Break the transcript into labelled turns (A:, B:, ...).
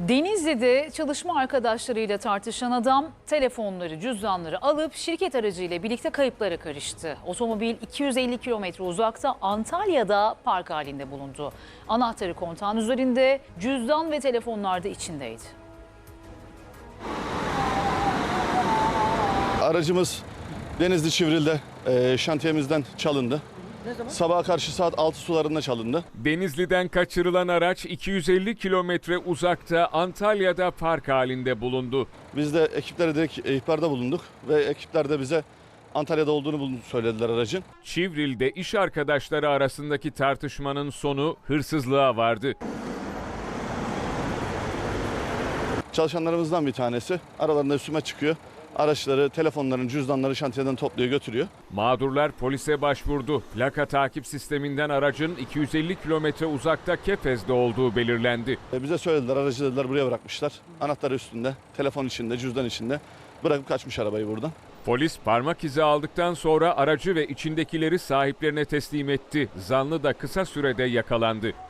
A: Denizli'de çalışma arkadaşlarıyla tartışan adam telefonları, cüzdanları alıp şirket aracıyla birlikte kayıplara karıştı. Otomobil 250 kilometre uzakta Antalya'da park halinde bulundu. Anahtarı kontağın üzerinde, cüzdan ve telefonlar da içindeydi.
B: Aracımız Denizli Çivril'de şantiyemizden çalındı. Sabaha karşı saat 6 sularında çalındı.
C: Denizli'den kaçırılan araç 250 kilometre uzakta Antalya'da park halinde bulundu.
B: Biz de ekiplere direkt ihbarda bulunduk ve ekipler de bize Antalya'da olduğunu söylediler aracın.
C: Çivril'de iş arkadaşları arasındaki tartışmanın sonu hırsızlığa vardı.
B: Çalışanlarımızdan bir tanesi aralarında üstüme çıkıyor. Araçları, telefonların, cüzdanları şantiyeden topluyor, götürüyor.
C: Mağdurlar polise başvurdu. Plaka takip sisteminden aracın 250 kilometre uzakta Kepez'de olduğu belirlendi.
B: Bize söylediler, aracı dediler buraya bırakmışlar. Anahtarı üstünde, telefon içinde, cüzdan içinde. Bırakıp kaçmış arabayı buradan.
C: Polis parmak izi aldıktan sonra aracı ve içindekileri sahiplerine teslim etti. Zanlı da kısa sürede yakalandı.